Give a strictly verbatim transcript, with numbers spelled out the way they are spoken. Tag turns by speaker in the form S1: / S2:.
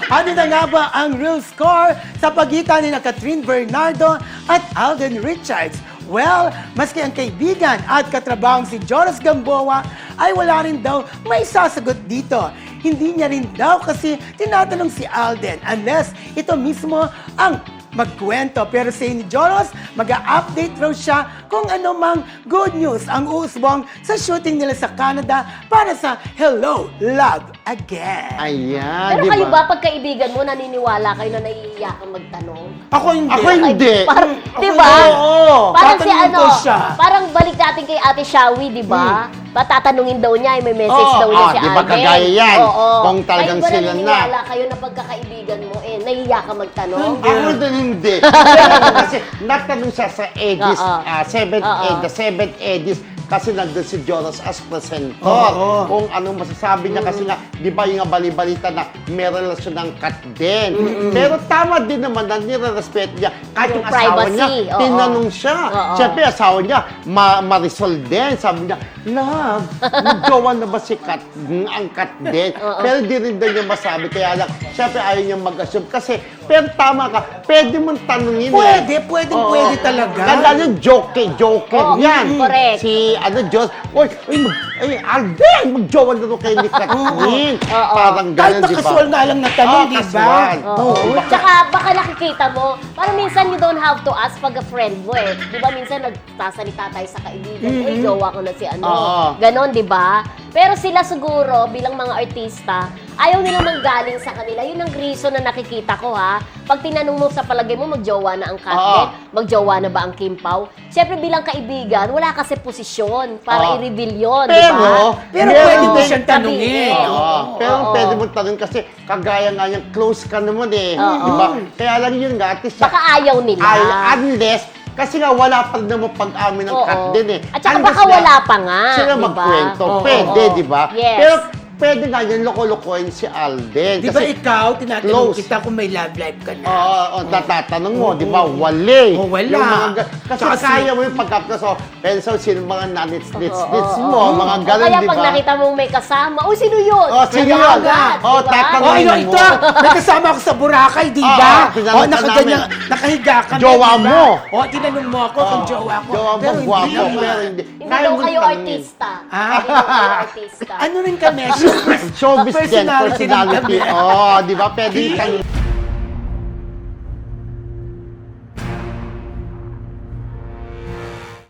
S1: Ano na nga ba ang real score sa pagitan ni na Catherine Bernardo at Alden Richards? Well, maski ang kaibigan at katrabahong si Jonas Gamboa ay wala rin daw may sasagot dito. Hindi niya rin daw kasi tinatanong si Alden unless ito mismo ang magkwento. Pero sa ni Jonas, mag-a-update raw siya kung ano mang good news ang uusbong sa shooting nila sa Canada para sa Hello, Love Again.
S2: Ayan,
S3: Pero
S2: di
S3: kayo
S2: ba?
S3: ba, pagkaibigan mo, naniniwala kayo na naiiyakan magtanong?
S1: Ako hindi.
S2: Ako hindi.
S3: Parang,
S1: Ako
S3: di ba?
S1: hindi, oo.
S3: Parang si
S1: Tatanungin
S3: ano,
S1: ko siya.
S3: parang balik natin kay Ate Shawi, di ba? Patatanungin daw niya, may message
S1: Oo.
S3: daw niya
S2: Ah,
S3: si
S2: di ba
S3: Alden.
S2: kagaya yan?
S3: Oo.
S2: Kung talagang
S3: kayo ba
S2: sila na.
S3: naniniwala kayo na pagkakaibigan mo, eh, naiiyakan magtanong?
S2: Ako din hindi. Pero kasi natanong siya sa Edis,
S3: Oo.
S2: ah, seventh
S3: Oo.
S2: Ed, the seventh Edis, kasi nandun si Jonas as presenter.
S1: Oo.
S2: Kung anong masasabi niya kasi nga, di ba yung nga bali-balita na may relasyon ng kat din. Pero tama din naman na nire-respeto niya. Kahit
S3: Yung
S2: yung asawa
S3: privacy,
S2: niya,
S3: oo.
S2: tinanong siya.
S3: Oo.
S2: Siyempre, asawa niya, ma Marisol din. Sabi niya, love, magjowa na ba si Kat, mm, ang Kat din? Pero di rin daw niya masabi. Kaya lang, siyempre ayaw niya mag-assume. Kasi, pero tama ka, pwede mong tanungin
S1: Pwede,
S2: eh.
S1: pwede,
S2: Oo.
S1: pwede talaga.
S2: Ganda yung joke, joke
S3: Oo,
S2: yan.
S3: correct.
S2: Si, ano, Diyos, oy, ay, mag, ay, Alden, magjowa na ito kay ni Kathleen.
S3: Oo.
S2: Parang
S1: Kahit
S2: gano'n, di ba?
S1: nakasual nga lang na tanong,
S2: Oo,
S1: di ba?
S2: kasual.
S3: Oo.
S2: Diba?
S3: Tsaka baka nakikita mo, parang minsan you don't have to ask pag a friend mo eh. Di ba minsan nagsasalita tayo sa kaibigan mo, mm jowa ko na si ano.
S2: Oo.
S3: Ganon, di ba? Pero sila siguro, bilang mga artista, ayaw nilang manggaling sa kanila. Yun ang reason na nakikita ko ha. Pag tinanong mo sa palagay mo, magjowa na ang
S2: Oo.
S3: Katlet, magjowa na ba ang Kim Pao? Siyempre bilang kaibigan, wala kasi posisyon para
S2: Oo.
S3: i-reveal yun, di
S2: Pero,
S3: ba?
S1: Pero
S2: meron
S1: pwede mo
S2: din-
S1: siyang tanungin.
S3: Sabihin.
S2: Oo. Pero
S3: Oo.
S2: pwede mo tanong kasi kagaya nga yung close ka naman eh.
S3: Oo.
S2: Diba? Kaya lang yun nga, at least
S3: Baka ayaw nila.
S2: ay, unless, kasi nga wala pa rin naman pag-amin ng
S3: Oo.
S2: cut din eh.
S3: At saka
S2: Unless
S3: baka
S2: na
S3: wala pa nga,
S2: Sila
S3: di ba?
S2: magkwento.
S1: Oo.
S2: Pwede,
S3: Oo.
S2: di ba?
S3: Yes.
S2: Pero pwede nga yun, loko-lokohin si Alden.
S1: Di ba
S2: Kasi,
S1: ikaw, tinatanong
S2: close.
S1: kita kung may love life ka na?
S2: Oo, oh, tatatanong mo, di ba? Wali.
S1: Oh, wala.
S2: Yung mga ga- kasi
S1: Tsaka si-
S2: kaya mo yung pagkapta so, pencil, sino mga nanits-nits-nits
S3: Oo,
S2: mo,
S3: oo.
S2: mga
S3: O
S2: ganun,
S3: kaya
S2: di
S3: pag
S2: ba?
S3: nakita mong may kasama, oh, sino yun?
S2: Oh, sino
S3: Kaya
S2: yun?
S3: agad,
S2: Oh,
S3: di ba?
S2: tatanungin
S1: Oh, ayun,
S2: mo.
S1: ito! May kasama ako sa Boracay, di
S2: Oo,
S1: ba?
S2: tinanong
S1: Oh,
S2: ka
S1: nakaganyan,
S2: namin.
S1: nakahiga kami,
S2: Jowa
S1: di ba?
S2: mo.
S1: Oh, tinanong mo ako kung jowa ko.
S2: Jowa mo,
S1: Pero hindi
S2: gwapo,
S1: naman.
S2: pero hindi.
S3: Hindi
S2: Kaya
S3: daw
S2: mo
S3: kayo
S2: tanungin.
S3: artista.
S1: Ah.
S3: Hindi daw kayo artista.
S1: Ano rin kami?
S2: Showbiz din,
S1: Personality rin
S2: personality.
S1: kami.
S2: Oh, di ba? Pwede tanong.